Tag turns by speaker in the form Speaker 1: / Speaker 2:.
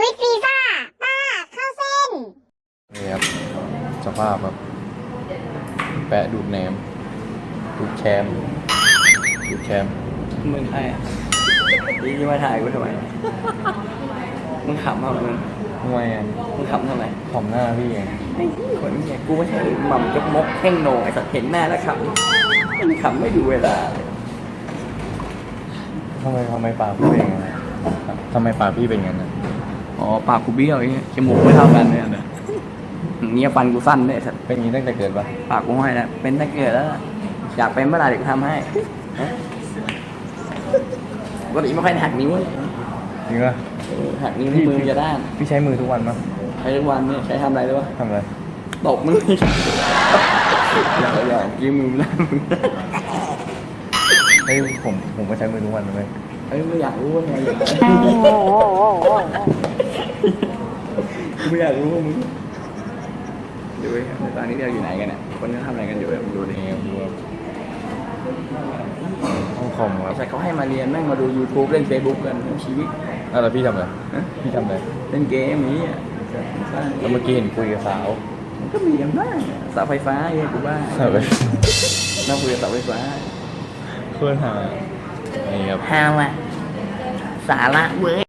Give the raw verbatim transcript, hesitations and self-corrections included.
Speaker 1: วิตฟีฟ่าป้าเข้าเส้น
Speaker 2: นี่ครับสภาพแบบแปะดูดแหนมดูดแชมดูดแชม
Speaker 3: มึงใครอ่ะนี่จะมาถ่ายกูทำไมมึงขำเอามึง
Speaker 2: ทำไมอ่ะ
Speaker 3: มึงขำทำไม
Speaker 2: ขำหน้าพี่ไง
Speaker 3: ไอ้ที่คนนี้กูไม่ใช่หม่ำจกมกแข้งโหนไอ้สัตว์เห็นหน้าแล้วขำมันขำไม่ดูเวลา
Speaker 2: ทำไมทำไมปากพี่เป็นอย่างนั้นทำไมปากพี่เป็นอย่างนั้น
Speaker 3: อ๋อปากกูเบี้ยวไอ้จมูกไม่เท่ากันเนี่ยเงี้ยฟันกูสั้นเนี่ยสัตว์
Speaker 2: เป็นอย่างนี้ตั้งแต่เกิดปะ
Speaker 3: ปากกูห้อยแล้วเป็นตั้งเกิดแล้วอยากเป็นเมื่อไหร่เดี๋ยวกูทำให้ปกติไม่ค่อยหักนิ้วเลย
Speaker 2: จริงปะ
Speaker 3: หักนิ้วที่มือจะด้าน
Speaker 2: พี่ใช้มือทุกวันปะ
Speaker 3: ใช้ทุกวันเนี่ยใช้ทำอะไรด้วยวะ
Speaker 2: ทำอะไร
Speaker 3: ตบมึงอย่าอย่ายืมมือนะมึง
Speaker 2: เฮ้ยผมผมก็ใช้มือทุกวันเลย
Speaker 3: เฮ้ยไม่อยากรู้ว่าไงไม่อยากรู้ว่ามึงดูดิตอนนี้เราอยู่ไหนกันเนี่ยคนนี้ทำอะไรกันอยู่ดูดิ
Speaker 2: ดูห้องคอมครับ
Speaker 3: ใช่เขาให้มาเรียนแม่งมาดู YouTube เล่น Facebook กันทั้งชีวิต
Speaker 2: อ่ะแล้วพี่ทำอะไรพี่ทำอะไร
Speaker 3: เล่นเกมนี้
Speaker 2: แล้วเมื่อกี้เห็นคุยกับสาว
Speaker 3: มันก็มีอย่างบ้างเสาไฟฟ้าเงี้ยกูบ้านั่งคุยกับเสาไฟฟ้า
Speaker 2: เพื่อนหานี่ครับ
Speaker 3: ฮาวะสาระเว้ย